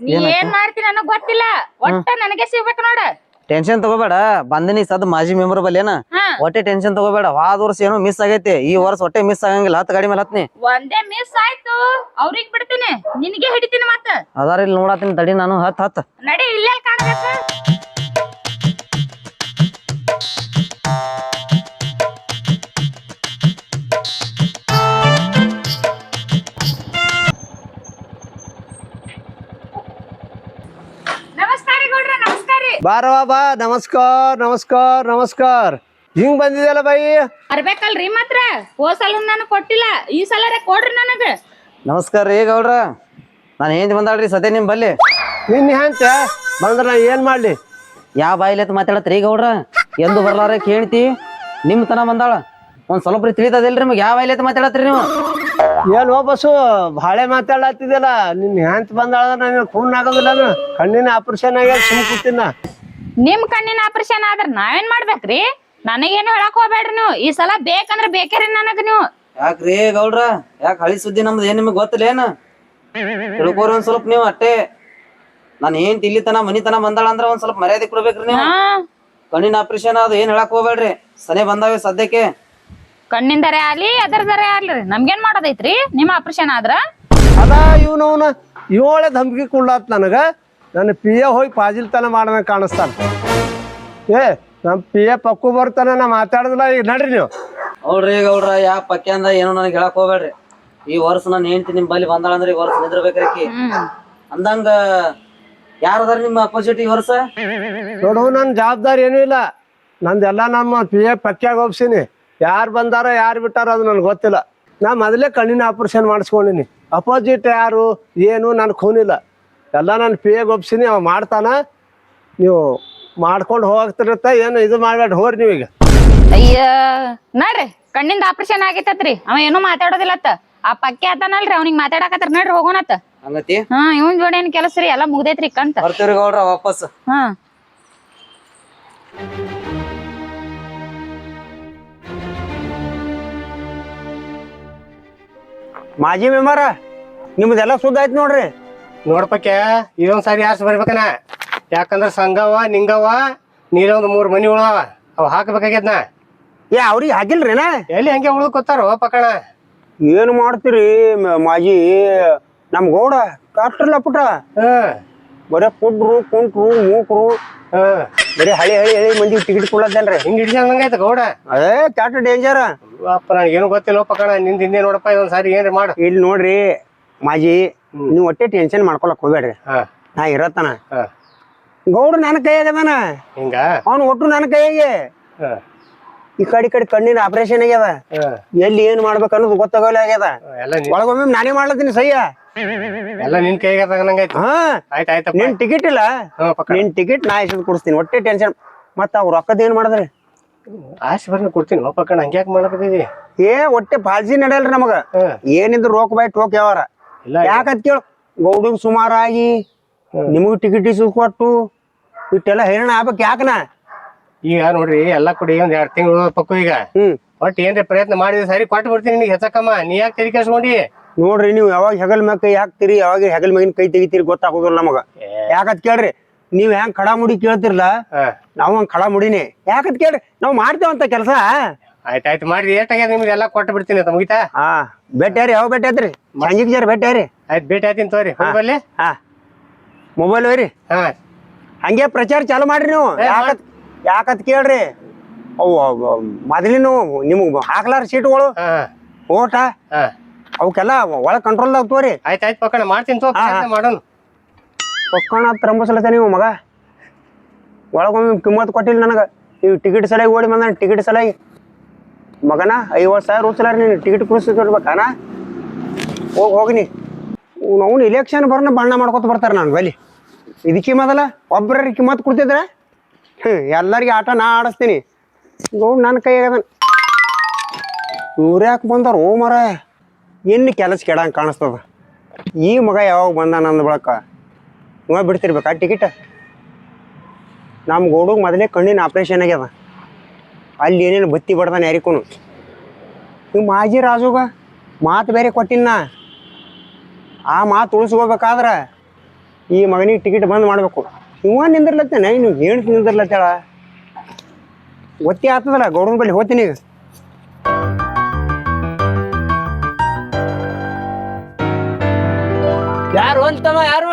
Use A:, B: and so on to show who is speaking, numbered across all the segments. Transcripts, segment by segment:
A: ನೀ ಏನ್ ಮಾಡ್ತಿ ನನಗ್ ಗೊತ್ತಿಲ್ಲ ಒಟ್ಟ ನನಗೆ ಸಿಗ್ಬೇಕು ನೋಡ
B: ಟೆನ್ಷನ್ ತಗೋಬೇಡ ಬಂದಿನಿ ಸದ್ ಮಾಜಿ ಮೆಂಬರ್ ಬಲ್ಲೇನ ಒಟ್ಟೆ ಟೆನ್ಷನ್ ತಗೋಬೇಡ ಹೋದ ವರ್ಷ ಏನೋ ಮಿಸ್ ಆಗೈತಿ ಈ ವರ್ಷ ಒಟ್ಟೆ ಮಿಸ್ ಆಗಂಗಿಲ್ಲ ಹತ್ತು ಗಾಡಿ ಮೇಲೆ ಹತ್ನಿ
A: ಒಂದೇ ಮಿಸ್ ಆಯ್ತು ಅವ್ರಿಗೆ ಬಿಡ್ತೀನಿ ನಿನಗೆ ಹಿಡಿತೀನಿ ಮತ್ತ
B: ಅದಾರ ಇಲ್ಲಿ ನೋಡಾತೀನಿ ತಡಿ ನಾನು ಹತ್
A: ನಡಿ ಇಲ್ಲೇ ಕಾಣಬೇಕು
C: ಬಾರವಾ ಬಾ ನಮಸ್ಕಾರ ಹಿಂಗ್ ಬಂದಿದೆಯಲ್ಲ ಬಾಯಿ
A: ಬರ್ಬೇಕಲ್ರಿ ಮಾತ್ರ ಹೋದ್ ಸಲ ನನಗ್ ಕೊಟ್ಟಿಲ್ಲ ಈ ಸಲ ಕೊಡ್ರಿ ನನಗ
B: ನಮಸ್ಕಾರ ರೀ ಗೌಡ್ರ ನಾನು ಏನ್ ಬಂದಾಳ್ರಿ ಸದ್ಯ ನಿಮ್ ಬಲ್ಲಿ
C: ನಿನ್ನ ಅಂತ ಬಂದ್ರ ನಾ ಏನ್ ಮಾಡ್ಲಿ
B: ಯಾವ ಬಾಯಿಲೆ ಮಾತಾಡತ್ರಿ ಗೌಡ್ರ ಎಂದು ಬರ್ಲಾರ ಕೇಳ್ತಿ ನಿಮ್ ತನ ಬಂದಾಳ ಒಂದ್ ಸ್ವಲ್ಪ ತಿಳಿತದಿಲ್ರಿ ನಿಮ್ಗೆ ಯಾವ ಬಾಯಿಲೆ ಮಾತಾಡತ್ರಿ ನೀವು
C: ಏನ್ ಬಸ್ಸು ಬಾಳೆ ಮಾತಾಡತ್ತಿದಲ್ಲ ನಿನ್ ಹ್ಯಾಂತ ಬಂದಾಳ ನನಗೆ ಖೂನ್ ಆಗೋದಿಲ್ಲ ಕಣ್ಣಿನ ಆಪರೇಷನ್ ಆಗ್ಯಾದ ಸುಮ್ ಕೂತಿನ
A: ನಿಮ್ ಕಣ್ಣಿನ ಆಪರೇಷನ್ ಆದ್ರ ನಾವೇನ್ ಮಾಡ್ಬೇಕ್ರಿ ನನಗೇನು ಹೇಳಕ್ ಹೋಗ್ಬೇಡ್ರಿ ನೀವು ಈ ಸಲ ಬೇಕಂದ್ರ ಬೇಕ್ರಿ ನನಗ ನೀವು
B: ಯಾಕ್ರಿ ಗೌಡ್ರ ಯಾಕೆ ಹಳಿ ಸುದ್ದಿ ನಮ್ದು ಏನ್ ನಿಮಗ್ ಗೊತ್ತಿಲ್ಲ ಏನ ತಿಳ್ಕೋರಿ ಒಂದ್ ಸ್ವಲ್ಪ ನೀವು ಅಟ್ಟೆ ನಾನು ಏನ್ ತಿಲ್ಲಿತನ ಮನಿತನ ಬಂದಾಳ ಅಂದ್ರ ಒಂದ್ ಸ್ವಲ್ಪ ಮರ್ಯಾದೆ ಕೊಡ್ಬೇಕ್ರಿ ನೀವು ಕಣ್ಣಿನ ಆಪರೇಷನ್ ಅದು ಏನ್ ಹೇಳಕ್ ಹೋಗ್ಬೇಡ್ರಿ ಸನೆ ಬಂದಾವೆ ಸದ್ಯಕ್ಕೆ
A: ಕಣ್ಣಿಂದರೇ ಆಗ್ಲಿ ಅದರದರೇ ಆಗ್ಲಿ ನಮ್ಗೇನ್ ಮಾಡೋದೈತ್ರಿ ನಿಮ್ಮ ಆಪರೇಷನ್ ಆದ್ರ
C: ಅದ ಇವನವನ ಇವಳೆ ಧಮ್ಕಿ ಕುಳ್ಳಾತ್ ನನಗ ನನ್ನ ಪಿ ಎ ಹೋಗಿ ಪಾಜಿಲ್ತನ ಮಾಡ್ದಂಗ ಕಾಣಿಸ್ತಾನ ಏ ನಮ್ ಪಿ ಎ ಪಕ್ಕು ಬರ್ತಾನ ನಾ ಮಾತಾಡದಿಲ್ಲ ಈಗ ನಡ್ರಿ ನೀವು
B: ನೋಡ್ರಿ ಗೌಡ್ರ ಯಾ ಪಕ್ಯಾಂದ ಏನೋ ನನಗೆ ಹೇಳಕ್ ಹೋಗ್ಬೇಡ್ರಿ ಈ ವರ್ಷ ನಾನು ಹೆಂಡ್ತಿ ನಿಮ್ ಬಲ್ಲಿ ಬಂದಾಳ ಅಂದ್ರೆ ಈ ವರ್ಷ ನಿಂದ್ರಬೇಕ್ರಿ ಅಂದಂಗ ಯಾರದಾರ ನಿಮ್ಮ ಅಪೋಸಿಟ್ ಈ ವರ್ಷ
C: ನೋಡು ನನ್ನ ಜವಾಬ್ದಾರಿ ಏನೂ ಇಲ್ಲ ನಂದೆಲ್ಲ ನಮ್ಮ ಪಿ ಎ ಪಕ್ಯಾಗ ಒಪ್ಸೀನಿ ಯಾರು ಬಂದಾರ ಯಾರು ಬಿಟ್ಟಾರ ಅದು ನನಗೆ ಗೊತ್ತಿಲ್ಲ ನಾ ಮೊದಲೇ ಕಣ್ಣಿನ ಆಪರೇಷನ್ ಮಾಡಿಸ್ಕೊಂಡಿನಿ ಅಪೋಸಿಟ್ ಯಾರು ಏನು ನನ್ಗೆ ಖೂನಿಲ್ಲ ಎಲ್ಲ ನಾನು ಪಿ ಎಗೆ ಒಪ್ಸೀನಿ ಅವ ಮಾಡ್ತಾನ ನೀವು ಮಾಡ್ಕೊಂಡು ಹೋಗ್ತಿರತ್ತ ಏನು ಇದು ಮಾಡ್ಬೇಡ ಹೋರಿ ನೀವೀಗ
A: ಅಯ್ಯ ನಡ್ರಿ ಕಣ್ಣಿಂದ ಆಪರೇಷನ್ ಆಗೈತತ್ರಿ ಅವ ಏನೂ ಮಾತಾಡೋದಿಲ್ಲತ್ತ ಆ ಪಕ್ಕೆ ಆತನಲ್ರಿ ಅವ್ನಿಗೆ ಮಾತಾಡಕತ್ತಾರ ನಡ್ರಿ ಹೋಗೋಣತ್ತ
B: ಹಂಗತಿ
A: ಇವನ್ ಜೋಡಿ ಏನ್ ಕೆಲಸ ರೀ ಎಲ್ಲಾ ಮುಗ್ದೈತ್ರಿ ಕಂತ
B: ಬರ್ತೀವ್ರಿ ಗೌಡ್ರ ವಾಪಸ್
C: ಮಾಜಿ ಮೆಂಬರ ನಿಮ್ದೆಲ್ಲ ಸುದ್ದ ಆಯ್ತು ನೋಡ್ರಿ
D: ನೋಡ್ಪಕ್ಕೆ ಇದೊಂದ್ ಸಾರಿ ಆರ್ಸ್ ಬರ್ಬೇಕನ ಯಾಕಂದ್ರ ಸಂಗವ ನಿಂಗವ ನೀರೇ ಒಂದ್ 3 ಮನಿ ಉಳವ ಅವ್ ಹಾಕಬೇಕಾಗ್ಯದ್ನ
C: ಏ ಅವ್ರಿಗೆ ಹಾಕಿಲ್ರಿನ
D: ಎಲ್ಲಿ ಹಂಗೆ ಉಳ್ಕೊತಾರೋ ಪಕ್ಕಣ
C: ಏನು ಮಾಡ್ತೀರಿ ಮಾಜಿ ನಮ್ ಗೌಡ ಕಾಪ್ಟರ್ಲ ಪುಟ ಬರೇ ಕುಡ್ರು ಕುಂಟ್ರು ಮೂಕ್ರು ಬರೀ ಹಳಿ ಮಂದಿ ಟಿಕೆಟ್ ಕೊಡ್ಲತ್ತೇನ್ರಿ
D: ಹಿಂಗ್ ಹಿಡಿಸಂಗೈತ ಗೌಡ
C: ಅದೇ ಕ್ಯಾಟ್ ಡೇಂಜರ್
D: ಅಪ್ಪ ನನಗೆ ಏನು ಗೊತ್ತಿಲ್ಲ ಪಕ್ಕಣ ನಿಂದ ಹಿಂದೆ ನೋಡಪ್ಪ ಇದೊಂದ್ ಸಾರಿ ಏನ್ರಿ ಮಾಡು
C: ಇಲ್ಲಿ ನೋಡ್ರಿ ಮಾಜಿ ನೀವು ಒಟ್ಟೆ ಟೆನ್ಷನ್ ಮಾಡ್ಕೊಳಕ್ ಹೋಗ್ಬೇಡ್ರಿ ನಾ ಇರತ್ತನ ಗೌಡ ನನ್ನ ಕೈಯಾಗದಾನ
D: ಹಿಂಗ
C: ಅವ್ನು ಒಟ್ಟು ನನ್ನ ಕೈಯಾಗೆ ಈ ಕಡೆ ಕಣ್ಣಿನ ಆಪರೇಷನ್ ಆಗ್ಯದ ಎಲ್ಲಿ ಏನ್ ಮಾಡ್ಬೇಕು ಅನ್ನೋದು ಗೊತ್ತಾಗಲ್ಲ ಆಗ್ಯದ ಒಳಗೊಮ್ಮೆ ನಾನೇ ಮಾಡ್ಲತ್ತೀನಿ ಸಹ್ಯ
D: ಎಲ್ಲ ನಿನ್ ಕೈಗಾಗಂಗೈತಿ
C: ಹಾ
D: ಆಯ್ತಾಯ್ತಪ್ಪ
C: ನಿನ್ ಟಿಕೆಟ್ ಇಲ್ಲ ನಿನ್ ಟಿಕೆಟ್ ನಾ ಎಷ್ಟ್ ಕೊಡಿಸ್ತೀನಿ ಒಟ್ಟೆ ಟೆನ್ಷನ್ ಮತ್ತ ಅವ್ರ ರೊಕ್ಕದ ಏನ್ ಮಾಡಿದ್ರಿ
D: ಆಶ್ ಬರ್ನ ಕೊಡ್ತೀನಿ ಪಕ್ಕಣ ಹಂಗ್ಯಾಕ್ ಮಾಡಕತ್ತಿದಿ
C: ಏ ಒಟ್ಟೆ ಪಾಲ್ಸಿ ನಡೆಯಲ್ರಿ ನಮಗ ಏನಿದ್ರು ರೋಕ್ ಬೈ ಟೋಕ್ ಯಾವಾರ ಯಾಕತ್ ಕೇಳು ಗೌಡಿಗ್ ಸುಮಾರಾಗಿ ನಿಮಗ್ ಟಿಕೆಟ್ ಇಸ್ ಕೊಟ್ಟು ಇಟ್ಟೆಲ್ಲ ಹೈರಾಣ ಆಗ್ಬೇಕು ಯಾಕನ
D: ಈಗ ನೋಡ್ರಿ ಎಲ್ಲಾ ಕೊಡಿ ಒಂದ್ 2 ತಿಂಗಳು ಪಕ್ಕು ಈಗ ಒಟ್ಟು ಏನ್ರಿ ಪ್ರಯತ್ನ ಮಾಡಿದ್ರೆ ಸರಿ ಕೊಟ್ಟು ಬಿಡ್ತೀನಿ ನಿನಗೆ ಹೆಚ್ಚಕಮ್ಮ ನೀ ಯಾಕೆ ತೆರಿ ಕೆಡ್ಸ್ಕೊಂಡಿ
C: ನೋಡ್ರಿ ನೀವು ಯಾವಾಗ ಹೆಗಲ್ ಮ್ಯಾಗ ಕೈ ಹಾಕ್ತಿರಿ ಯಾವಾಗ ಹೆಗಲ್ ಮ್ಯಾಗಿನ ಕೈ ತೆಗಿತೀರಿ ಗೊತ್ತಾಗೋದಿಲ್ಲ ನಮಗ ಯಾಕತ್ ಕೇಳ್ರಿ ನೀವ್ ಹೆಂಗ್ ಖಡಾ ಮುಡಿ ಕೇಳ್ತಿರ್ಲ ನಾವ್ ಹಂಗ್ ಖಡಾ ಮುಡಿನಿ ಯಾಕತ್ ಕೇಳ್ರಿ ನಾವ್ ಮಾಡ್ತೇವಂತ ಕೆಲಸ
D: ಆಯ್ತಾಯ್ತು ಮಾಡ್ರಿ ಏಟಾಗ್ಯದ ನಿಮ್ಗೆ ಎಲ್ಲಾ ಕೊಟ್ಟು ಬಿಡ್ತೀನಿ ಅಂತ ಮುಗಿತಾ
C: ಭೇಟಿಯಾರಿ ಯಾವ ಭೇಟಿ ಆಯ್ತ್ರಿ ಸಂಜೆಗ್ ಜರ ಭೇಟಿಯಾರಿ
D: ಆಯ್ತು ಭೇಟಿ ಆಯ್ತೀನಿ ತೋರಿ ಹೋಗ್ಬಲ್ಲಿ
C: ಮೊಬೈಲ್ ಹೋಯ್ರಿ ಹಂಗೆ ಪ್ರಚಾರ ಚಾಲು ಮಾಡ್ರಿ ನೀವು ಯಾಕತ್ ಕೇಳ್ರಿ ಅವು ಮೊದಲಿನ ನಿಮ್ಗ್ ಹಾಕ್ಲಾರ ಸೀಟ್ಗಳು ಓಟ ಅವಕ್ಕೆಲ್ಲ ಒಳಗ್ ಕಂಟ್ರೋಲ್ದಾಗ ತೋರಿ
D: ಆಯ್ತಾಯ್ತು ಪಕ್ಕಣ ಮಾಡ್ತೀನಿ ತೋ ಮಾಡೋಣ
C: ಪಕ್ಕಣ ರಂಬಸಲತ್ತ ನೀವು ಮಗ ಒಳಗೊಮ್ಮೆ ಕಿಮ್ಮತ್ ಕೊಟ್ಟಿಲ್ಲ ನನಗ ನೀವು ಟಿಕೆಟ್ ಸಲಗಿ ಓಡಿ ಬಂದ ಟಿಕೆಟ್ ಸಲಗಿ ಮಗನ 50,000 ಉತ್ಸಲಾರ ನೀನು ಟಿಕೆಟ್ ಕುಡಿಸ್ಕೊಡ್ಬೇಕಾನ ಹೋಗಿನಿ ಅವ್ನು ಇಲೆಕ್ಷನ್ ಬರ್ನ ಬಣ್ಣ ಮಾಡ್ಕೊತ ಬರ್ತಾರೆ ನಾನು ಬಲಿ ಇದಕ್ಕೆ ಮೊದಲ ಒಬ್ಬರ ಕಿಮ್ಮತ್ ಕೊಡ್ತಿದ್ರ ಎಲ್ಲರಿಗೆ ಆಟ ನಾ ಆಡಿಸ್ತೀನಿ ಗೌಡ್ ನನ್ನ ಕೈಯಾಗದ ಇವ್ರು ಯಾಕೆ ಬಂದಾರ ಓ ಮರ ಎಲ್ಲಿ ಕೆಲಸ ಕೆಡಂಗೆ ಕಾಣಿಸ್ತದ ಈ ಮಗ ಯಾವಾಗ ಬಂದ ನಂದು ಬಳಕ ಇವ ಬಿಡ್ತಿರ್ಬೇಕಾ ಟಿಕೆಟ್ ನಮ್ಮ ಗೌಡಿಗೆ ಮೊದಲೇ ಕಣ್ಣಿನ ಆಪ್ರೇಷನ್ ಆಗ್ಯದ ಅಲ್ಲಿ ಏನೇನು ಬತ್ತಿ ಬಡ್ದಾನೆ ಯಾರಿಗೂ ನೀವು ಮಾಜಿ ರಾಜುಗ ಮಾತು ಬೇರೆ ಕೊಟ್ಟಿನ ಆ ಮಾತು ಉಳಿಸ್ಕೋಬೇಕಾದ್ರೆ ಈ ಮಗನಿಗೆ ಟಿಕೆಟ್ ಬಂದ್ ಮಾಡ್ಬೇಕು. ಇವ ನಿಂದಿರ್ಲತ್ತೇನೆ ಇನ್ನು ಹೆಣ್ತಿ ನಿಂದಿರ್ಲತ್ತೇಳ. ಒತ್ತಿ ಆಗ್ತದಲ್ಲ ಗೌಡನ ಬಳಿ ಹೋಗ್ತೀನಿ ಈಗ.
E: ಯಾರು ಅಂತವ ಯಾರು?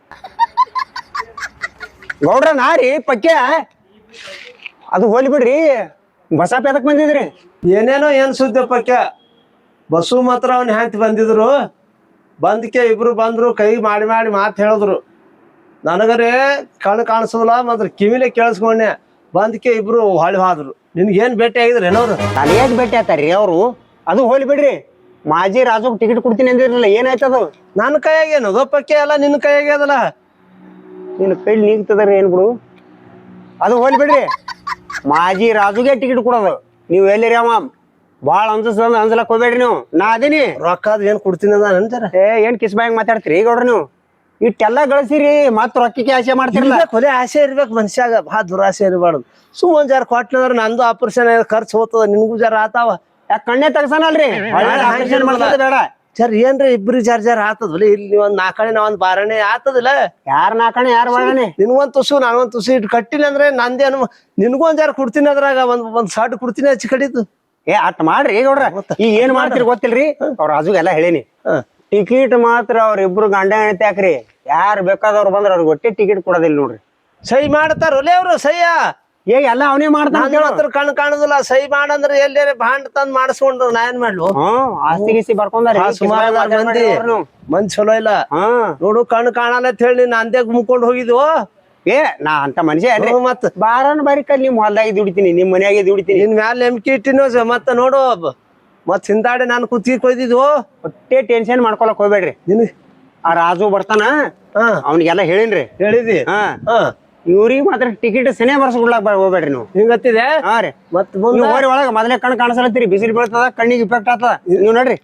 C: ಗೌಡ್ರ ನಾರಿ ಪಕ್ಯ ಅದು ಹೋಲಿ ಬಿಡ್ರಿ. ಬಸಪ್ಪ ಎದಕ್ ಬಂದಿದ್ರಿ?
E: ಏನೇನೋ ಏನ್ ಸುದ್ದಿ ಪಕ್ಕ. ಬಸ್ಸು ಮಾತ್ರ ಅವ್ನ ಹೆಂಡತಿ ಬಂದಿದ್ರು. ಬಂದಕ್ಕೆ ಇಬ್ರು ಬಂದ್ರು, ಕೈ ಮಾಡಿ ಮಾಡಿ ಮಾತು ಹೇಳಿದ್ರು. ನನಗರೇ ಕಣ್ಣು ಕಾಣಿಸೋದಿಲ್ಲ, ಮಾತ್ರ ಕಿವಿಲೆ ಕೇಳಿಸ್ಕೊಂಡೆ. ಬಂದಕ್ಕೆ ಇಬ್ರು ಹೊಳಿ ಹೋದ್ರು. ನಿನ್ಗೇನ್ ಭೇಟಿ ಆಗಿದ್ರು ಏನವ್ರು?
C: ನನಗೇಟ್ ಭೇಟಿ ಆತಾರ್ರಿ ಅವರು? ಅದು ಹೋಲಿ ಬಿಡ್ರಿ. ಮಾಜಿ ರಾಜುಗ್ ಟಿಕೆಟ್ ಕೊಡ್ತೀನಿ ಅಂದಿರಲ್ಲ, ಏನಾಯ್ತದು?
E: ನನ್ನ ಕೈಯಾಗ ಏನದು ಪಕ್ಕೆ ಎಲ್ಲ ನಿನ್ನ ಕೈಯಾಗ ಅದಲ್ಲ.
C: ನಿನ್ನ ಕೈಲಿ ನೀಗ್ತದ್ರಿ ಏನ್ ಬಿಡು. ಅದು ಹೋಲಿ ಬಿಡ್ರಿ. ಮಾಜಿ ರಾಜುಗೆ ಟಿಕೆಟ್ ಕೊಡೋದು. ನೀವು ಎಲ್ಲಿರಿ ಅವ ಭಾಳ ಅನ್ಸಲಕ್ ಹೋಗ್ಬೇಡ್ರಿ ನೀವು. ನಾ ಅದೀನಿ.
E: ರೊಕ್ಕ ಅದ್ ಏನ್ ಕೊಡ್ತೀನಿ ಅದ ಅಂತಾರ.
C: ಏನ್ ಕಿಸ್ ಬಾಯಂಗ್ ಮಾತಾಡ್ತೀರಿ ಗೌಡ್ರ ನೀವು? ಇಟ್ಟೆಲ್ಲ ಗಳಿಸಿರಿ ಮತ್ ರೊಕ್ಕಕ್ಕೆ ಆಸೆ ಮಾಡ್ತಿರಲ್ಲ.
E: ಕೊಲೆ ಆಸೆ ಇರ್ಬೇಕು ಮನುಷ್ಯಾಗ, ಭಾಳ ದುರಾಸೆ ಇರಬಾರ್ದು. ಒಂದ್ ಜರ ಕೊಟ್ನಂದ್ರ ನಂದು ಆಪರೇಷನ್ ಖರ್ಚು ಹೋಗ್ತದ, ನಿನ್ಗೂ ಜರ ಆತಾವ.
C: ಯಾಕೆ ಕಣ್ಣೆ ತೆಗ್ಸನಲ್ರಿ? ಆಪರೇಷನ್ ಮಾಡ್ಸೋದು ಬೇಡ.
E: ಜರ್ ಏನ್ರಿ ಇಬ್ರು ಜರ್ ಆತದಲ್ಲ. ಇಲ್ಲಿ ಒಂದ್ ನಾಲ್ಕಣೆ ಒಂದ್ ಬಾರಣೆ ಆತದಿಲ್ಲ.
C: ಯಾರ ನಾಕಣೆ ಯಾರ ಬಾಳನೆ?
E: ನಿನ್ಗೊಂದ್ ತುಸು ನಾನೊಂದ್ ತುಸು ಇಟ್ಟು ಕಟ್ಟಿಲ್ಲ ಅಂದ್ರೆ ನಂದೇನು, ನಿನ್ಗೊಂದ್ ಜರ ಕೊಡ್ತೀನಿ ಅದ್ರಾಗ ಒಂದ್ ಸಡ್ ಕೊಡ್ತೀನಿ ಹಚ್ಚಿ ಕಡಿದು.
C: ಅಟ್ ಮಾಡ್ರಿ ಗೌಡ್ರ. ಈಗ ಏನ್ ಮಾಡ್ತೀರಿ ಗೊತ್ತಿಲ್ರಿ? ಅವ್ರ ರಾಜುಗೆಲ್ಲ ಹೇಳೀನಿ, ಟಿಕೆಟ್ ಮಾತ್ರ ಅವ್ರಿಬ್ರು ಗಂಡ ಹೆಂಡತಿ ಹಾಕ್ರಿ. ಯಾರು ಬೇಕಾದವ್ರು ಬಂದ್ರ ಅವ್ರಿಗೆ ಒಟ್ಟೆ ಟಿಕೆಟ್ ಕೊಡೋದಿಲ್ಲ ನೋಡ್ರಿ.
E: ಸಹಿ ಮಾಡ್ತಾರ ಒಲೆ ಅವ್ರು ಸಹ್ಯ.
C: ಎಲ್ಲ ಅವನೇ ಮಾಡ್ತಾನ.
E: ಕಣ್ ಕಾಣುದಿಲ್ಲ. ಸಹಿ ಮಾಡಂದ್ರೆ ಎಲ್ಲೇ ಬಾಂಡ್ ತಂದ್ ಮಾಡಿಸ್ಕೊಂಡ್ರು ನಾ ಏನ್ ಮಾಡ್ಲು?
C: ಆಸ್ತಿ ಗೀಸ್ತಿ ಬರ್ಕೊಂಡ್ರಿ
E: ಸುಮಾರು ಮಂದಿ ಚಲೋ ಇಲ್ಲ ನೋಡು. ಕಣ್ ಕಾಣಲ್ಲ ಅಂತ ಹೇಳಿ ನೀನ್ ಅಂದ್ಯಾಗ ಮುಕ್ಕೊಂಡ್ ಹೋಗಿದ್ವು.
C: ನಾ ಅಂತ ಮನುಷ್ಯ ಅಲ್ರಿ.
E: ಮತ್
C: ಬಾರನ್ ಬಾರಿಕಲ್ಲಿ ನಿಮ್ ಹೊಲ್ದಾಗಿ ದುಡಿತೀನಿ, ನಿಮ್ ಮನ್ಯಾಗೆ ದುಡಿತೀನಿ.
E: ನಿನ್ ಮ್ಯಾಲ ನಂಬಿಕೆ ಇಟ್ಟಿನೋ ಮತ್ತ ನೋಡು. ಮತ್ ಹಿಂದಾಡಿ ನಾನು ಕುತ್ತಿಗೆ ಕೊಯ್ದಿದ್ವು.
C: ಒಟ್ಟೆ ಟೆನ್ಷನ್ ಮಾಡ್ಕೊಳಕ್ ಹೋಗ್ಬೇಡ್ರಿ.
E: ನಿನ್
C: ಆ ರಾಜು ಬರ್ತಾನ, ಅವ್ನಿಗೆಲ್ಲ ಹೇಳಿನ್ರಿ.
E: ಹೇಳಿದಿ?
C: ಇವ್ರಿಗೆ ಮಾತ್ರ ಟಿಕೆಟ್ ಸನೇ ಬರ್ಸ್ಕೊಡ್ಲಾಕ್ ಹೋಗ್ಬೇಡ್ರಿ ನೀವು.
E: ಹಿಂಗತ್ತಿದೆ.
C: ಹಾ ರೀ.
E: ಮತ್
C: ನೀವು ಹೋರಿ ಒಳಗ ಮೊದಲೇ ಕಣ್ ಕಾಣಿಸಲತ್ತೀರಿ. ಬಿಸಿಲು ಬೀಳ್ತದ, ಕಣ್ಣಿಗೆ ಇಫೆಕ್ಟ್ ಆಗ್ತದ. ನೀವು ನೋಡ್ರಿ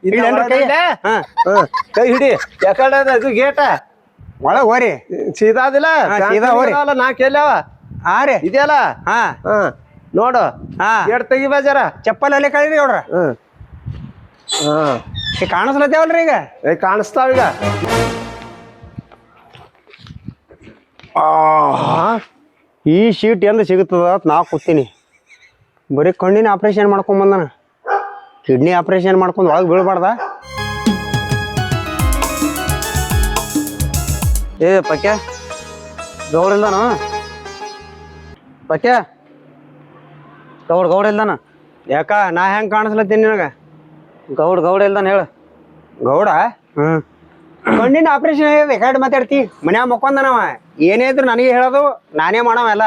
E: ಕೈ ಹಿಡಿ. ಯಾಕಡೆ ಇದು ಗೇಟ
C: ಒಳಗ್ ಹೋರಿ.
E: ಸೀದಾದಿಲ್ಲ
C: ಸೀದಾ ಹೋರಿ.
E: ನಾ ಕೇಳ್ಯಾವ.
C: ಹಾ ರೀ
E: ಇದೆಯಲ್ಲ. ನೋಡು ಗೇಟ್ ತೆಗಿ ಬಾಜಾರ.
C: ಚಪ್ಪಲ್ ಅಲ್ಲೇ ಕಳೀರಿ ಅವ್ರ. ಕಾಣಿಸ್ಲತ್ತೇವಲ್ರಿ ಈಗ?
E: ಕಾಣಿಸ್ತಾವೀಗ.
C: ಈ ಶೀಟ್ ಎಂದು ಸಿಗುತ್ತದ ಅಂತ ನಾ ಕೂತೀನಿ. ಬರೀ ಕಣ್ಣಿನ ಆಪ್ರೇಷನ್ ಮಾಡ್ಕೊಂಡ್ ಬಂದಾನ. ಕಿಡ್ನಿ ಆಪ್ರೇಷನ್ ಮಾಡ್ಕೊಂಡು ಒಳಗೆ ಬೀಳ್ಬಾರ್ದ?
B: ಪಕ್ಯ ಗೌಡ ಇಲ್ದಾನ? ಪಕ್ಯ ಗೌಡ ಇಲ್ದಾನ?
C: ಯಾಕ ನಾ ಹೆಂಗ್ ಕಾಣಿಸ್ಲತ್ತೀನಿ ನಿನಗ?
B: ಗೌಡ ಇಲ್ದಾನ ಹೇಳ.
C: ಗೌಡ ಕಣ್ಣಿನ ಆಪರೇಷನ್ ಆಗಿದೆ. ಕಡೆ ಮಾತಾಡ್ತಿ ಮನ್ಯಾಗ ಮಕ್ಕೊಂದನವ. ಏನೇ ಇದ್ರು ನನಗೆ ಹೇಳೋದು, ನಾನೇ ಮಾಡವ ಎಲ್ಲ.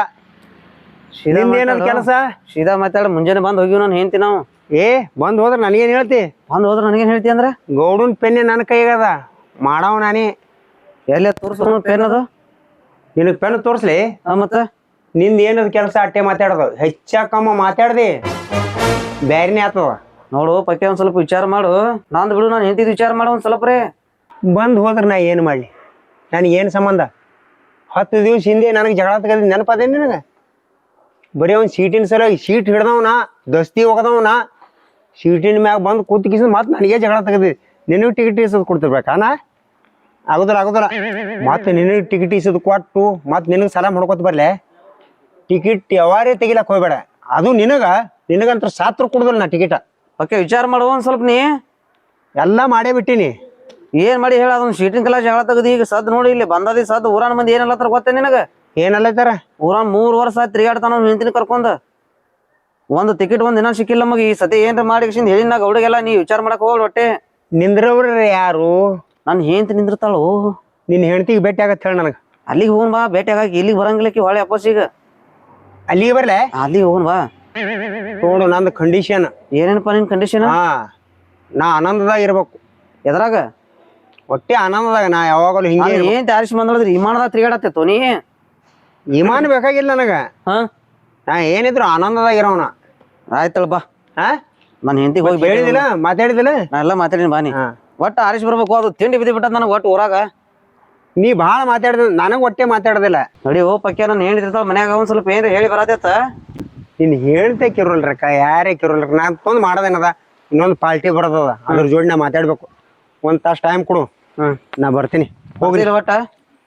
C: ಏನದ ಕೆಲಸ?
B: ಸೀದಾ ಮಾತಾಡ. ಮುಂಜಾನೆ ಬಂದ್ ಹೋಗಿವ್ ನಾನು ಹೆಂಡ್ತಿ ನಾವು.
C: ಬಂದ್ ಹೋದ್ರ ನನಗೇನ್ ಹೇಳ್ತಿ?
B: ಬಂದ್ ಹೋದ್ರ ನನಗೇನ್ ಹೇಳ್ತಿ ಅಂದ್ರ?
C: ಗೌಡನ್ ಪೆನ್ನೆ ನನ್ನ ಕೈಗದ, ಮಾಡವ ನಾನೇ.
B: ಎಲ್ಲ ತೋರ್ಸ ಪೆನ್ ಅದು.
C: ನಿನಗ್ ಪೆನ್ ತೋರ್ಸ್ಲಿ?
B: ಮತ್ತ
C: ನಿಂದ ಏನದ ಕೆಲಸ ಅಟ್ಟೆ ಮಾತಾಡೋದು. ಹೆಚ್ಚ ಕಮ್ಮ ಮಾತಾಡ್ದಿ ಬ್ಯಾರಿನೇ ಆತದ.
B: ನೋಡು ಪಕ್ಯ, ಒಂದ್ ಸ್ವಲ್ಪ ವಿಚಾರ ಮಾಡು. ನಂದ್ ಬಿಡು, ನಾನು ಹೆಂಡತಿದ್ ವಿಚಾರ ಮಾಡು ಒಂದ್ ಸ್ವಲ್ಪ ರೇ.
C: ಬಂದ್ ಹೋದ್ರ ನಾ ಏನ್ ಮಾಡ್ಲಿ? ನನಗೇನು ಸಂಬಂಧ? 10 ದಿವ್ಸ ಹಿಂದೆ ನನಗೆ ಜಗಳ ತಗದ ನೆನಪದೇನು ನಿನಗೆ? ಬರೀ ಅವ್ನು ಸೀಟಿನ ಸಲುವಾಗಿ ಸೀಟ್ ಹಿಡ್ದವನ, ದಸ್ತಿ ಹೋಗದವನ, ಸೀಟಿನ ಮ್ಯಾಗ ಬಂದು ಕೂತ್ಕಿಸಿದ್ ಮತ್ತೆ ನನಗೆ ಜಗಳ ತೆಗದಿ. ನಿನಗೆ ಟಿಕೆಟ್ ಇಸೋದು ಕೊಡ್ತಿರ್ಬೇಕಾ? ಆಗುದಿಲ್ಲ. ಮತ್ತೆ ನಿನಗೆ ಟಿಕೆಟ್ ಇಸೋದು ಕೊಟ್ಟು ಮತ್ತೆ ನಿನಗೆ ಸಲ ಮಾಡ್ಕೊತ ಬರ್ಲೆ. ಟಿಕೆಟ್ ಯಾವಾರೇ ತೆಗಿಲಕ್ ಹೋಗ್ಬೇಡ. ಅದು ನಿನಗಂತ ಸಾತ್ರ ಕೊಡುದಿಲ್ಲ ನಾ ಟಿಕೆಟ್.
B: ಪಕ್ಯ ವಿಚಾರ ಮಾಡು ಒಂದ್ ಸ್ವಲ್ಪ. ನೀ
C: ಎಲ್ಲ ಮಾಡೇ ಬಿಟ್ಟಿನಿ.
B: ಏನ್ ಮಾಡಿ ಹೇಳ? ಅದೊಂದು ಸೀಟಿನ ಕಲ ಜಗಳ ತೆಗದಿ. ಈಗ ಸದ್ ನೋಡಿ, ಇಲ್ಲಿ ಬಂದದಿ ಸದ್. ಊರಾನ ಮಂದಿ ಏನಲ್ಲತ್ತಾರ ಗೊತ್ತೇ ನಿನಗ?
C: ಏನಲ್ಲತ್ತಾರ?
B: ಊರಾನ್ 3 ವರ್ಷ ಆಯ್ತು ತಿರುಗಾಡ್ತಾನ ಹೆಂಡತಿನ ಕರ್ಕೊಂಡ್. ಒಂದು ಟಿಕೆಟ್ ಒಂದ್ ದಿನ ಸಿಕ್ಕಿಲ್ಲ ನಮಗೆ. ಈ ಸತಿ ಏನ್ರ ಮಾಡಿ ಹೇಳಿನ ಗೌಡಿಗೆಲ್ಲ. ನೀ ವಿಚಾರ ಮಾಡಕ್ ಹೋಗ್ಲಿ ಹೊಟ್ಟೆ.
C: ನಿಂದ್ರವ್ರ ಯಾರು?
B: ನನ್ ಹೆಂಡತಿ ನಿಂದಿರ್ತಾಳು.
C: ನಿನ್ನ ಹೆಂಡತಿಗೆ ಭೇಟಿ ಆಗತ್ತ ಹೇಳ ನನಗ.
B: ಅಲ್ಲಿಗೆ ಹೋಗನ್ ಬಾ, ಭೇಟಿ ಆಗಾಕ. ಇಲ್ಲಿಗೆ ಬರಂಗಿಲ್ಲಕಿ ಹೊಳೆ ವಾಪಸ್. ಈಗ
C: ಅಲ್ಲಿಗೆ ಬರ್ಲೆ?
B: ಅಲ್ಲಿಗೆ ಹೋಗನ್ ಬಾ.
C: ನೋಡು ನಂದು ಕಂಡೀಷನ್.
B: ಏನೇನಪ್ಪ ನಿನ್ ಕಂಡೀಷನ್?
C: ನಾ ಆನಂದದಾಗ ಇರ್ಬೇಕು.
B: ಎದ್ರಾಗ?
C: ಒಟ್ಟೆ ಆನಂದದಾಗ. ನಾ ಯಾವಾಗಲೂ ಹಿಂಗೆ
B: ಏನ್ ತಾರಿಸಿ ಬಂದ್ರಿ ವಿಮಾನದಾಗ ತಿರುಗಾಡತ್ತಿತ್ತು ನೀ?
C: ವಿಮಾನ ಬೇಕಾಗಿಲ್ಲ ನನಗ. ನಾ ಏನಿದ್ರು ಆನಂದದಾಗ ಇರೋನ.
B: ಆಯ್ತಳ ಬಾ. ನನ್ ಹೆಂಡತಿ ಹೋಗಿ
C: ಹೇಳಿದಿಲ್ಲ, ಮಾತಾಡಿದಿಲ್ಲ?
B: ನಾ ಎಲ್ಲ ಮಾತಾಡಿನಿ ಬಾ. ನೀ ಒಟ್ಟು ಆರಿಸಿ ಬರ್ಬೇಕು. ಅದು ತಿಂಡಿ ಬಿದ್ದಿ ಬಿಟ್ಟದ ನನಗೆ ಒಟ್ಟು ಊರಾಗ.
C: ನೀ ಭಾಳ ಮಾತಾಡ್ದ, ನನಗ್ ಒಟ್ಟೆ ಮಾತಾಡೋದಿಲ್ಲ.
B: ನೋಡಿ ಓ ಪಕ್ಯ, ನಾನು ಹೇಳಿರ್ತಾಳ ಮನ್ಯಾಗ ಒಂದ್ ಸ್ವಲ್ಪ ಏನ್ರ ಹೇಳಿ ಬರತ್ತ.
C: ನೀನ್ ಹೇಳ್ತೆ ಕಿರೋಲ್ರಕ್ಕ, ಯಾರೇ ಕಿರೋಲ್ರ. ನಾ ತೊಂದ್ ಮಾಡೋದೇನದ, ಇನ್ನೊಂದು ಪಾರ್ಟಿ ಬರೋದದ, ಅದ್ರ ಜೋಡಿ ನಾ ಮಾತಾಡ್ಬೇಕು. ಒಂದ್ ತಾಸು ಟೈಮ್ ಕೊಡು, ನಾ ಬರ್ತೀನಿ.
B: ಹೋಗ್ಲಿಲ್ಲ ಒಟ್ಟ?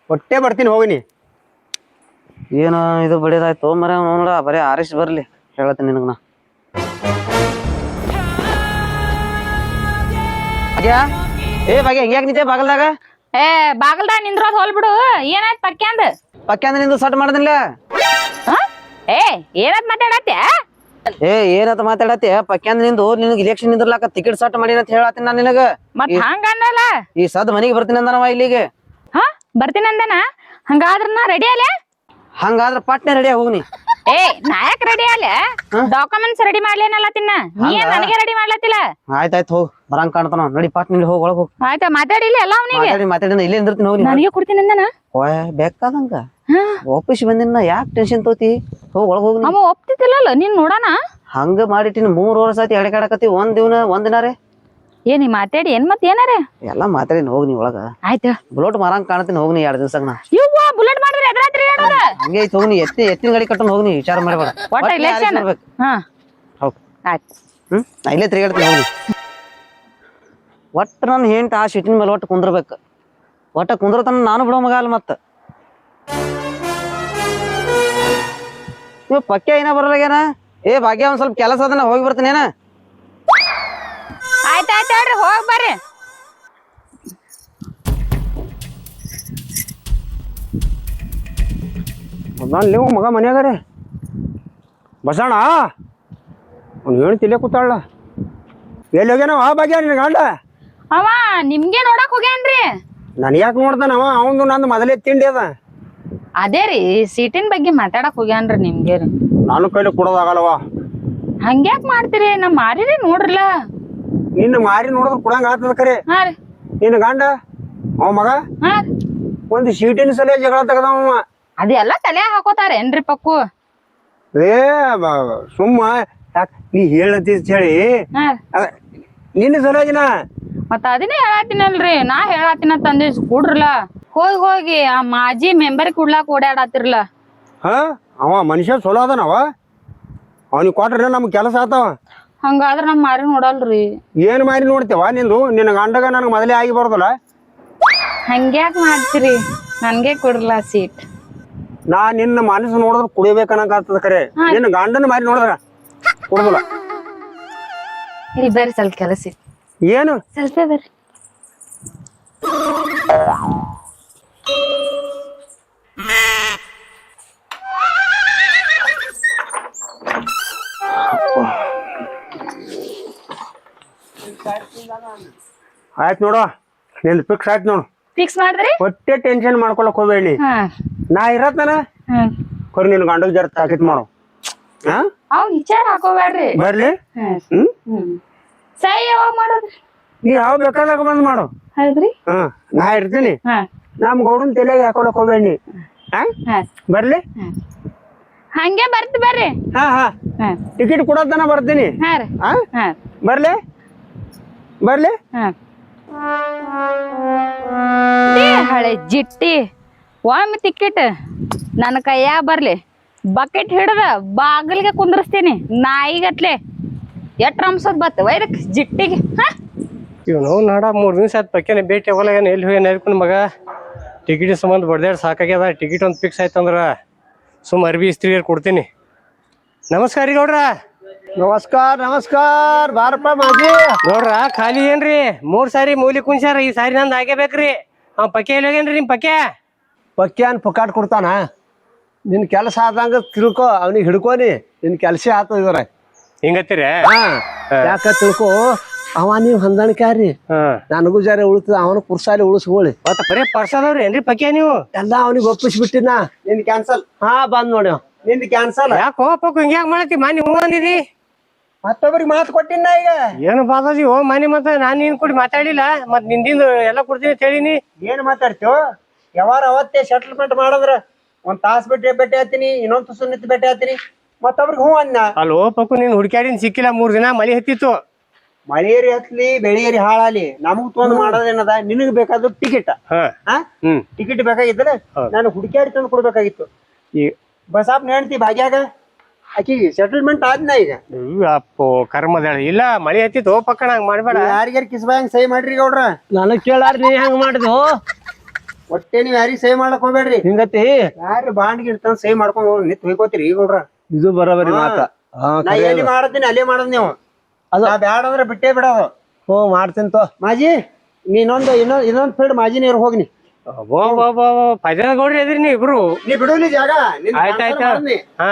C: ಒಟ್ಟೆ ಬರ್ತೀನಿ ಹೋಗಿನಿ.
B: ಏನು ಇದು ಬಡಿದಾಯ್ತು ಮರ ನೋಡ ಬರೀ ಆರಿಸ್ ಬರ್ಲಿ ಹೇಳತ್ತೀನಿ ನಿನಗ ನಾ. ಏ ಭಾಗ್ಯ ಹಿಂಗ್ಯಾಕ್ ನಿಂತೆ ಬಾಗಲ್ದಾಗ?
A: ಏ ಬಾಗಲ್ದಾಗ ನಿಂದ್ರೋದ್ ಹೋಲ್ ಬಿಡು. ಏನಾಯ್ತು ಪಕ್ಯಾಂದ?
B: ಪಕ್ಕ ಅಂದ್ರೆ ನಿಂದು ಸಟ್ ಮಾಡ್ದಿಲ್ಲ.
A: ಏ ಏನತ್ ಮಾತಾಡತ್ತೆ?
B: ಏ ಏನಂತ ಮಾತಾಡತ್ತೆ? ಪಕ್ಯಾಂದ್ ನಿಂದು ನಿನಗೆ ಇಲೆಕ್ಷನ್ ನಿಂದ್ರಲಾಕ ಟಿಕೆಟ್ ಸಟ್ ಮಾಡಿ ಅಂತ ಹೇಳತ್ತೀನಿ ನಾನು ನಿನಗ.
A: ಮತ್ ಹಂಗ ಅನ್ನಲ್ಲ.
B: ಈ ಸದ್ ಮನಿಗೆ ಬರ್ತೀನಿ ಅಂದನವ ಇಲ್ಲಿಗೆ.
A: ಹಾ ಬರ್ತೀನಂದನ? ಹಂಗಾದ್ರ ನಾ ರೆಡಿ ಅಲೆ?
B: ಹಂಗಾದ್ರ ಪಟ್ನೆ ರೆಡಿ ಹೋಗ್ನಿ.
A: ಏ ನಾಯಕ್ ರೆಡಿ ಅಲೆ? ಡಾಕ್ಯುಮೆಂಟ್ಸ್ ರೆಡಿ ಮಾಡ್ಲೇನಲ್ಲತ್ತಿನ ನೀ ಏನ್ ನನಗೆ ರೆಡಿ ಮಾಡ್ಲತ್ತಿಲ್ಲ?
B: ಆಯ್ತಾಯ್ತು ಹೋಗ್ ಬರಂಗ್ ಕಾಣ್ತಾನ ನಡಿ ಪಾಟ್ ನಿಲ್ಲಿ ಹೋಗಿ ಒಳಗ್ ಹೋಗ್.
A: ಆಯ್ತಾ ಮಾತಾಡಿಲ್ಲ ಎಲ್ಲ ಅವನಿಗೆ?
B: ಮಾತಾಡಿ ಇಲ್ಲೇ ನಿಂದಿರ್ತೀನಿ ಹೋಗಿ.
A: ನನಗೆ ಕೊಡ್ತೀನಿ ಅಂದನ?
B: ಓಯ್ ಬೇಕಾದಂಗ ವಾಪಸ್ ಬಂದಿನ ಯಾಕೆ ಟೆನ್ಷನ್ ತೋತಿ? ಹೋಗ್ ಒಳಗ್ ಹೋಗಿ.
A: ಅವ ಒಪ್ತಿದ್ದಿಲ್ಲಲ್ಲ ನೀನ್ ನೋಡೋಣ.
B: ಹಂಗ ಮಾಡಿಟ್ಟಿನ 3 ವರ್ಷ ಆಯ್ತು ಎಡಕಾಡಕತ್ತಿ. ಒಂದಿನಾರೇ
A: ಏ ನೀ ಮಾತಾಡಿ ಏನ್ ಮತ್ ಏನಾರ
B: ಎಲ್ಲಾ ಮಾತಾಡಿ ಹೋಗಿ ನೀ ಒಳಗ.
A: ಆಯ್ತು
B: ಬುಲೆಟ್ ಮಾರಂಗ್ ಕಾಣತೀನಿ ಹೋಗ್ನಿ 2 ದಿವ್ಸ ನಾ.
A: ಇವ್ವ ಬುಲೆಟ್ ಮಾಡಿದ್ರೆ ಎದ್ರಾತ್ರಿ ಹೇಳೋದ
B: ಹಂಗೆ ಐತಿ ಹೋಗ್ನಿ. ಎತ್ತಿನ ಗಾಡಿ ಕಟ್ಟನ್ ಹೋಗ್ನಿ ವಿಚಾರ ಮಾಡ್ಬೇಡ.
A: ಒಟ್ಟ ಇಲೆಕ್ಷನ್ ಹಾ
B: ಹೋಗ್
A: ಆಯ್ತು.
B: ನಾ ಇಲ್ಲೇ ತಿರುಗಾಡ್ತೀನಿ ಹೋಗ್ನಿ. ಒಟ್ಟು ನನ್ನ ಹೆಂಟ್ ಆ ಸಿಟ್ಟಿನ ಮೇಲೆ ಒಟ್ಟು ಕುಂದ್ರಬೇಕು. ಒಟ್ಟ ಕುಂದ್ರತನ ನಾನು ಬಿಡೋ ಮಗ ಅಲ್ಲ ಮತ್ತ. ನೀವು ಪಕ್ಕೆ ಏನ ಬರಲಾಗೇನ? ಏ ಭಾಗ್ಯ ಒಂದ್ ಸ್ವಲ್ಪ ಕೆಲಸ ಅದನ್ನ ಹೋಗಿ ಬರ್ತೀನಿ ಏನ.
A: ಆಯ್ತಾಯ್ತು ಹೇಳ್ರಿ ಹೋಗ್ ಬರ್ರಿ.
C: ನೀವು ಮಗ ಮನ್ಯಾಗಾರೆ ಬಸಣ್ಣ ಅವ್ನು ಏನು ತಿಲ್ಲೇ ಕೂತಾಳ. ಎಲ್ಲಿ ಹೋಗ್ಯಾನವ ಭಾಗ್ಯ ನಿನ್ನ ಗಂಡ?
A: ಅವ ನಿಮ್ಗೆ ನೋಡಕ್ ಹೋಗ್ಯಾನ್ರಿ.
C: ನನ್ ಯಾಕೆ ನೋಡ್ತಾನವ? ಅವಂದು ನಂದು ಮೊದಲೇ ತಿಂಡಿ ಅದ.
A: ಅದೇ ರೀ ಸೀಟಿನ ಬಗ್ಗೆ ಮಾತಾಡಕ್ ಹೋಗ್ಯಾನ್ರಿ ನಿಮ್ಗೆ ರೀ.
C: ನಾನು ಕೈಲಿ ಕೊಡೋದಾಗಲ್ಲವ.
A: ಹಂಗ್ಯಾಕ್ ಮಾಡ್ತೀರಿ? ನಮ್ ಮಾರಿರಿ ನೋಡ್ರಲ್ಲ.
C: ನಿನ್ನ ಮಾರಿ ನೋಡಿದ್ರೆ ಕೊಡಂಗ ಆಗ್ತದ ಖರೆ.
A: ಹಾ ರೀ
C: ನಿನ್ನ ಗಂಡ ಅವ ಮಗ
A: ಹಾ
C: ಒಂದು ಸೀಟಿನ ಸಲ ಜಗಳ ತೆಗದವ.
A: ಅದೆಲ್ಲ ತಲೆ ಹಾಕೋತಾರ ಏನ್ರಿ ಪಕ್ಕು?
C: ಏ ಸುಮ್ಮ ಯಾಕೆ ನೀ ಹೇಳಂತ ಹೇಳಿ
A: ಹಾ
C: ನಿನ್ನ ಸಲಗಿನ
A: ಮತ್ತ ಅದನ್ನೇ ಹೇಳತ್ತೀನಲ್ರಿ. ನಾ ಹೇಳತ್ತೀನ ತಂದಿ ಕೂಡ್ರಲ್ಲ. ಹೋಗಿ ಆ ಮಾಜಿ ಮೆಂಬರ್ ಕುಡ್ಲಾಕ್ ಓಡಾಡತ್ತಿರ್ಲ.
C: ಹಾ ಅವ ಮನುಷ್ಯ ಚಲೋ ಅದನವ. ಅವನಿಗೆ ಕೊಟ್ರೆ ನಮ್ಗೆ ಕೆಲಸ ಆತಾವ.
A: ಹಂಗಾದ್ರ ನಮ್ ಮಾರಿ ನೋಡಲ್ರಿ.
C: ಏನು ಮಾರಿ ನೋಡ್ತೇವ ನಿಂದು? ನಿನ್ನ ಗಂಡಗ ನನಗೆ ಮೊದಲೇ ಆಗಿ ಬರೋದಲ್ಲ.
A: ಹಂಗ್ಯಾಕ್ ಮಾಡ್ತೀರಿ? ನನ್ಗೆ ಕೊಡ್ರಲ್ಲ ಸೀಟ್.
C: ನಾ ನಿನ್ನ ಮನಸ್ಸು ನೋಡಿದ್ರೆ ಕುಡಿಬೇಕನ್ನಂಗ ಆಗ್ತದ ಖರೆ. ನಿನ್ನ ಗಂಡನ ಮಾರಿ ನೋಡಿದ್ರ ಕುಡುದಿಲ್ಲ.
A: ಇಲ್ಲಿ ಬರ್ರಿ ಸ್ವಲ್ಪ ಕೆಲಸ ಇತ್ತು.
C: ಏನು
A: ಸ್ವಲ್ಪ ಬರ್ರಿ.
C: ಆಯ್ತು ನೋಡು, ನಿಂದು ಫಿಕ್ಸ್ ಆಯ್ತು ನೋಡು.
A: ಫಿಕ್ಸ್ ಮಾಡಿದ್ರಿ?
C: ಒಟ್ಟೆ ಟೆನ್ಷನ್ ಮಾಡ್ಕೊಳಕ್ ಹೋಗ್ಬೇಡಿ. ನಾ ಇರತ್ತನ ಕೊರಿ ನಿನ್ ಗಂಡಗ್ ಜರ ತಾಕೀತ್ ಮಾಡು.
A: ಅವ್ ವಿಚಾರ ಹಾಕೋಬೇಡ್ರಿ.
C: ಬರ್ಲಿ
A: ಸೈ ಯಾವಾಗ ಮಾಡೋದ್ರಿ?
C: ನೀ ಯಾವ ಬೇಕಾದಾಗ ಬಂದ್ ಮಾಡು.
A: ಹೌದ್ರಿ
C: ನಾ ಇರ್ತೀನಿ. ನಮ್ ಗೌಡನ್ ತಲೆಗೆ ಹಾಕೊಳಕ್ ಹೋಗ್ಬೇಡಿ. ಬರ್ಲಿ
A: ಹಂಗೆ ಬರ್ತ ಬರ್ರಿ.
C: ಹಾ ಹಾ ಟಿಕೆಟ್ ಕೊಡೋದನ ಬರ್ತೀನಿ.
A: ಹಾ ರೀ
C: ಬರ್ಲಿ ಬರ್ಲಿ.
A: ಹಳೆ ಜಿಟ್ಟಿ ಒಮ್ಮೆ ಟಿಕೆಟ್ ನನ್ನ ಕೈಯಾಗ ಬರ್ಲಿ. ಬಕೆಟ್ ಹಿಡ್ದ ಬಾಗಿಲ್ಗೆ ಕುಂದ್ರಸ್ತೀನಿ ನಾಯಿಗತ್ಲೆ. ಎಟ್ ರಂಸೋದ್ ಬತ್ತ ವೈದಕ್ ಜಿಟ್ಟಿಗೆ.
D: ಇವನು ನಾಡ 3 ದಿವಸ ಆಯ್ತು ಪಕ್ಕೇನೆ ಭೇಟಿ ಹೋಗಲ್ಲ. ಎಲ್ಲಿ ಹೋಗಿ ನೆರ್ಕೊಂಡು ಮಗ ಟಿಕೆಟ್ ಸಂಬಂಧ ಬಡ್ದಾಡ್ ಸಾಕಾಗ್ಯದ. ಟಿಕೆಟ್ ಒಂದು ಫಿಕ್ಸ್ ಆಯ್ತಂದ್ರ ಸುಮ್ಮ ಅರ್ಬಿ ಇಸ್ತ್ರಿ ಕೊಡ್ತೀನಿ. ನಮಸ್ಕಾರ ರೀ ಗೌಡ್ರ.
E: ನಮಸ್ಕಾರ ನಮಸ್ಕಾರ. ಬಾರಪ್ಪ ಮಾಜಿ.
D: ಗೌಡ್ರ ಖಾಲಿ ಏನ್ರಿ? 3 ಸಾರಿ ಮೂಲಿ ಕುಂಚಾರ. ಈ ಸಾರಿ ನಂದು ಆಗೇಬೇಕ್ರಿ. ಅವ್ ಪಕ್ಕೆ ಎಲ್ಲಿ ಹೋಗ್ಯಾನ್ರಿ ನಿಮ್ ಪಕ್ಕೆ?
E: ಪಕ್ಯಾನ್ ಪುಕಾಟ್ ಕೊಡ್ತಾನ. ನಿನ್ ಕೆಲಸ ಆದಂಗ ತಿಳ್ಕೊ, ಅವ್ನಿಗೆ ಹಿಡ್ಕೋನಿ. ನಿನ್ ಕೆಲಸ ಆತದ್ರ
D: ಹಿಂಗತ್ತೀರ?
E: ಯಾಕ ತಿಳ್ಕೊ. ಅವ ನೀವ್ ಹೊಂದಾಣಿಕಾರಿ. ನನಗೂ ಜರ ಉಳಿತದ. ಅವನು ಕುರ್ಸಾಲಿ ಉಳಿಸ್ಕೊಳ್ಳಿ.
D: ಮತ್ತ ಬರೀ ಪರ್ಸದವ್ರಿ ಏನ್ರಿ ಪಕ್ಕೆ ನೀವು?
E: ಎಲ್ಲ ಅವನಿಗೆ ಒಪ್ಪಿಸ್ಬಿಟ್ಟಿನ. ನಿನ್ ಕ್ಯಾನ್ಸಲ್. ಹಾ ಬಂದ್ ನೋಡಿ ನಿಂದ ಕ್ಯಾನ್ಸಲ್.
D: ಯಾಕೋ ಪಕ್ಕು ಹಿಂಗ್ಯಾಕ್ ಮಾಡತ್ತಿ? ಮಾನಿ ಹೂ ಅಂದಿದಿ.
E: ಮತ್ತೊಬ್ರಿಗೆ ಮಾತು ಕೊಟ್ಟಿನ ಈಗ.
D: ಏನು ಬಾದಾಜಿ ಓ ಮಾನಿ ಮತ್ತ ನಾನ್ ನೀನ್ ಕೂಡಿ ಮಾತಾಡಿಲ್ಲ. ಮತ್ ನಿಂದಿಂದ ಎಲ್ಲ ಕೊಡ್ತೀನಿ ಅಂತ ಹೇಳಿನಿ.
E: ಏನ್ ಮಾತಾಡ್ತೀವ? ಯಾವಾರ ಅವತ್ತೇ ಸೆಟಲ್ಮೆಂಟ್ ಮಾಡಿದ್ರ ಒಂದ್ ತಾಸ್ ಬಿಟ್ಟು ಭೇಟಿ ಆತೀನಿ, ಇನ್ನೊಂದ್ ತುಸು ನಿಂತು ಭೇಟಿ ಆತೀನಿ. ಮತ್ತೊಬ್ರಿಗೆ ಹೂ ಅನ್ನ.
D: ಅಲ್ಲೋ ಪಕ್ಕು ನೀನ್ ಹುಡ್ಕ್ಯಾಡಿನ ಸಿಕ್ಕಿಲ್ಲ. 3 ದಿನ ಮಳಿ ಹತ್ತಿತ್ತು.
E: ಮಳೆಯರಿ ಹತ್ಲಿ ಬೆಳೆಯರಿ ಹಾಳಾಲಿ ನಮಗ್ ತೊಂದ್ ಮಾಡೋದೇನದ? ನಿನಗ್ ಬೇಕಾದ್ರು ಟಿಕೆಟ್. ಟಿಕೆಟ್ ಬೇಕಾಗಿತ್ತಲ್ಲ, ನಾನು ಹುಡುಕ್ಯಾಡಿ ತಂದು ಕೊಡ್ಬೇಕಾಗಿತ್ತು. ಈ ಬಸಾಪ್ ನೆಣ್ತಿ ಭಾಗ್ಯಾಗ ಆಕಿ ಸೆಟಲ್ಮೆಂಟ್ ಆದ್ನ ಈಗ.
D: ಅಪ್ಪೋ ಕರ್ಮದ ಇಲ್ಲ ಮಳಿ ಹತ್ತಿತ್ತು. ಪಕ್ಕ ಹಂಗ ಮಾಡ್ಬೇಡ.
E: ಯಾರಿಗಾರ ಕಿಸ್ಬಾಯಂಗ್ ಸಹಿ ಮಾಡ್ರಿ ಗೌಡ್ರ. ನನಗ್ ಕೇಳಾರ ನೀ ಹೆಂಗ್ ಮಾಡಿದ್ವು?
C: ಒಟ್ಟೆ ನೀವ್ ಯಾರಿಗ್ ಸಹಿ ಮಾಡ್ಲಕ್ ಹೋಗ್ಬೇಡ್ರಿ.
E: ಹಿಂಗತಿ
C: ಯಾರು ಬಾಂಡ್ಗೆ ಇಡ್ತಾನ ಸಹಿ ಮಾಡ್ಕೊಂಡ್ ಹೋಗಿ ನಿಂತ್ ಹೋಯ್ಕೋತೀರಿ ಈಗ ಗೌಡ್ರ.
E: ಇದು ಬರೋಬರಿ ಮಾತ.
C: ನಾ ಎಲ್ಲಿ ಮಾಡತ್ತೀನಿ ಅಲ್ಲೇ ಮಾಡೋದ್ ನೀವು.
E: ಅದು
C: ನಾ ಬ್ಯಾಡ ಅಂದ್ರೆ ಬಿಟ್ಟೇ ಬಿಡೋದು.
E: ಹ್ಞೂ ಮಾಡ್ತೀನಿ ತೋ.
C: ಮಾಜಿ ನೀ ಇನ್ನೊಂದ್ ಫೀಲ್ಡ್ ಮಾಜಿ ನೀರು ಹೋಗ್ನಿ.
D: ಪಜನ ಗೌಡ್ರಿ ಅದ್ರಿ ನೀವ್ ಇಬ್ರು.
C: ನೀ ಬಿಡುವಲ್ಲಿ ಜಾಗ.
D: ಆಯ್ತಾಯ್ತ. ಹಾ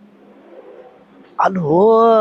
E: ಅದು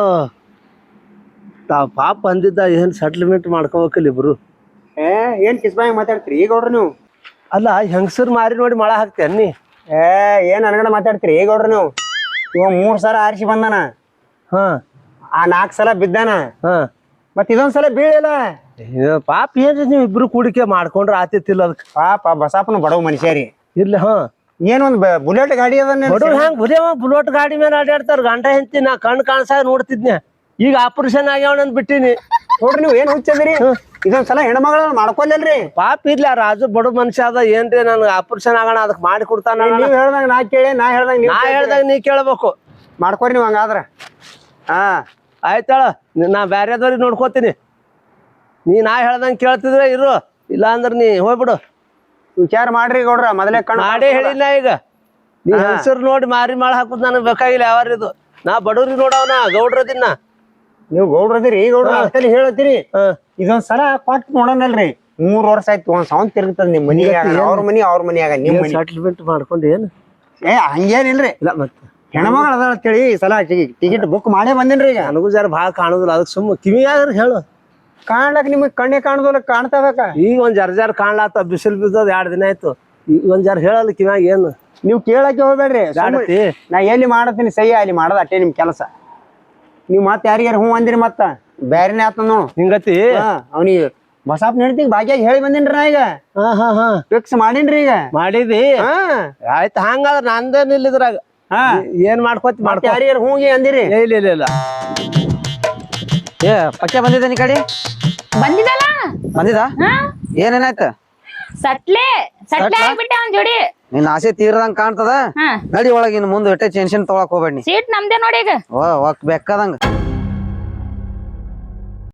E: ತಾವ್ ಪಾಪ ಅಂದಿದ್ದ ಏನ್ ಸೆಟ್ಲ್ಮೆಂಟ್ ಮಾಡ್ಕೋಬೇಕಲ್ಲ ಇಬ್ರು.
C: ಏನ್ ಕಿಸ್ಬಾಯಿ ಮಾತಾಡ್ತೀರಿ ಈಗ ಗೌಡ್ರ ನೀವು?
E: ಅಲ್ಲ ಹೆಂಗಸರ್ ಮಾರಿ ನೋಡಿ ಮಳ ಹಾಕ್ತೇನ್ ನೀ?
C: ಏನ್ ಅನ್ಗಡ ಮಾತಾಡ್ತೀರಿ ಈಗ ಗೌಡ್ರ ನೀವು? ಇವ 3 ಸಲ ಆರಿಸಿ ಬಂದಾನ.
E: ಹಾ
C: ಆ 4 ಸಲ ಬಿದ್ದಾನ.
E: ಹಾ
C: ಮತ್ ಇದೊಂದ್ ಸಲ ಬೀಳಿಲ್ಲ.
E: ಪಾಪ ಏನ್ರಿ ನೀವ್ ಇಬ್ರು ಕೂಡಿಕೆ ಮಾಡ್ಕೊಂಡ್ರ ಆತಿತ್ತಿಲ್ಲ ಅದಕ್ಕೆ.
C: ಪಾಪ ಬಸಪ್ಪನ ಬಡವ ಮನುಷ್ಯರಿ.
E: ಇಲ್ಲ ಹಾ
C: ಏನೊಂದ್ ಬುಲೆಟ್ ಗಾಡಿ ಅದನ್ನ
E: ಬಡವ್ರು ಹೆಂಗ್ ಬುದೇವ ಬುಲೆಟ್ ಗಾಡಿ ಮೇಲೆ ಅಡ್ಯಾಡ್ತಾರ. ಗಂಡ ಹೆಂಡ್ತಿ ನಾ ಕಣ್ ಕಾಣ್ಸಾಗ ನೋಡ್ತಿದ್ನೆ. ಈಗ ಆಪರೇಷನ್ ಆಗ್ಯಾವನಂದ್ ಬಿಟ್ಟಿನಿ.
C: ನೋಡ್ರಿ ನೀವ್ ಏನ್ ಹುಚ್ಚದಿರಿ? ಇದೊಂದ್ ಸಲ ಹೆಣ್ಮಗಳ ಮಾಡ್ಕೊಲ್ಲಲ್ರಿ.
E: ಪಾಪ ಇರ್ಲ ರಾಜು ಬಡ ಮನುಷ್ಯ ಅದ ಏನ್ರಿ ನನ್ ಆಪರೇಷನ್ ಆಗೋಣ ಅದಕ್ ಮಾಡಿ ಕೊಡ್ತಾನ.
C: ನೀವ್ ಹೇಳ್ದಂಗ ನಾ ಕೇಳಿ, ನಾ
E: ಹೇಳ್ದಾಗ ನೀ ಕೇಳ್ಬೇಕು.
C: ಮಾಡ್ಕೊರಿ ನೀವ್ ಹಂಗಾದ್ರ. ಹಾ
E: ಆಯ್ತಾಳ ನಾ ಬ್ಯಾರೆದವ್ರಿಗೆ ನೋಡ್ಕೋತೀನಿ. ನಾ ಹೇಳ್ದಂಗ ಕೇಳ್ತಿದ್ರೆ ಇರು, ಇಲ್ಲ ಅಂದ್ರ ನೀ ಹೋಗ್ಬಿಡು.
C: ವಿಚಾರ ಮಾಡ್ರಿ ಗೌಡ್ರ, ಮೊದಲೇ ಕಣ್
E: ಮಾಡೇ ಹೇಳಿಲ್ಲ. ಈಗ ನೀ ಹೆಸರು ನೋಡಿ ಮಾರಿ ಮಾಳ ಹಾಕುದ್ ನನಗ್ ಬೇಕಾಗಿಲ್ಲ. ಯಾವಾರಿದು ನಾ ಬಡವ್ರಿಗೆ ನೋಡವನ ಗೌಡ್ರದಿನ್ನ.
C: ನೀವು ಗೌಡ್ರದಿರಿ ಗೌಡ್ರ ಅಷ್ಟಲ್ಲಿ ಹೇಳತ್ತೀರಿ. ಇದೊಂದ್ ಸಲ ಕೊಟ್ಟು ನೋಡೋಣಲ್ರಿ. 3 ವರ್ಷ ಆಯ್ತು ಒಂದ್ ಸಾವಂತ್ ತಿರುಗ್ತದ ನಿಮ್ ಮನಿ. ಅವ್ರ ಮನಿಯಾಗ ನಿಮ್ ಮನಿ
E: ಸೆಟ್ಲ್ಮೆಂಟ್ ಮಾಡ್ಕೊಂಡು ಏನು
C: ಹಂಗೇನಿಲ್ರಿ.
E: ಇಲ್ಲ ಮತ್ತೆ
C: ಹೆಣ್ಮಗಳ ಅದ ಅಂತೇಳಿ ಈ ಸಲ ಟಿಕೆಟ್ ಬುಕ್ ಮಾಡೇ ಬಂದೇನ್ರಿ. ಈಗ
E: ನನಗೂ ಜರ ಭಾಳ ಕಾಣುದಿಲ್ಲ, ಅದಕ್ಕೆ ಸುಮ್ಮ ಕಿವಿಯಾಗ್ರಿ ಹೇಳು.
C: ಕಾಣ್ಲಕ್ ನಿಮಗ್ ಕಣ್ಣೆ ಕಾಣುದಿಲ್ಲ, ಕಾಣ್ತಾಬೇಕ.
E: ಈಗ ಒಂದ್ ಜರ ಕಾಣ್ಲಾತ, ಬಿಸಿಲು ಬಿದ್ದದ 2 ದಿನ ಆಯ್ತು. ಈಗ ಒಂದ್ ಜರ ಹೇಳಲ್ಲ ಕಿವ್ಯಾಗ ಏನು.
C: ನೀವ್ ಕೇಳಕ್ಕೆ ಹೋಗ್ಬೇಡ್ರಿ.
E: ಜಾಡತಿ
C: ನಾ ಎಲ್ಲಿ ಮಾಡತ್ತೀನಿ ಸಹಿ ಅಲ್ಲಿ ಮಾಡೋದು ಅಷ್ಟೇ ನಿಮ್ ಕೆಲಸ. ನೀವ್ ಮತ್ ಯಾರಿಗಾರ ಹ್ಞೂ ಅಂದಿರಿ ಮತ್ತ ಬ್ಯಾರೇನೆ ಆತ ನೋಡು
E: ಹಿಂಗತಿ.
C: ಅವ್ನಿಗೆ ಬಸಪ್ಪ ನಡ್ತಿಗ್ ಭಾಗ್ಯಾಗ ಹೇಳಿ ಬಂದಿನ್ರಿ ನಾ. ಈಗ ಫಿಕ್ಸ್ ಮಾಡೀನ್ರಿ. ಈಗ
E: ಮಾಡಿದಿ ಆಯ್ತು. ಹಂಗಾದ್ರ ನಂದೇನ್ ಇಲ್ಲ ಇದ್ರಾಗ. ಏನ್ ಮಾಡ್ಕೋತಿ ಮಾಡ್ಕೊ.
C: ಯಾರಿಗಾರ ಹ್ಞೂ ಅಂದಿರಿ?
E: ಇಲ್ಲ
B: ಏ ಪಕ್ಕೆ ಬಂದಿದ್ದ ನೀ ಕಡೆ
A: ಬಂದಿದಲ್ಲ.
B: ಬಂದಿದ?
A: ಹಾ
B: ಏನೇನಾಯ್ತ?
A: ಸಟ್ಲೆ ಆಗ್ಬಿಟ್ಟೆ ಅವ್ನ್ ಜೋಡಿ.
B: ನಿನ್ ಆಸೆ ತೀರದಂಗ ಕಾಣ್ತದ.
A: ಹಾ
B: ನಡಿ ಒಳಗಿನ ಮುಂದೆ ಎಟ್ಟೆ ಟೆನ್ಷನ್ ತೊಗೊಳಕ್ ಹೋಗ್ಬೇಡಿ.
A: ಸೀಟ್ ನಮ್ದೇ ನೋಡಿ ಈಗ.
B: ಬೇಕಾದಂಗ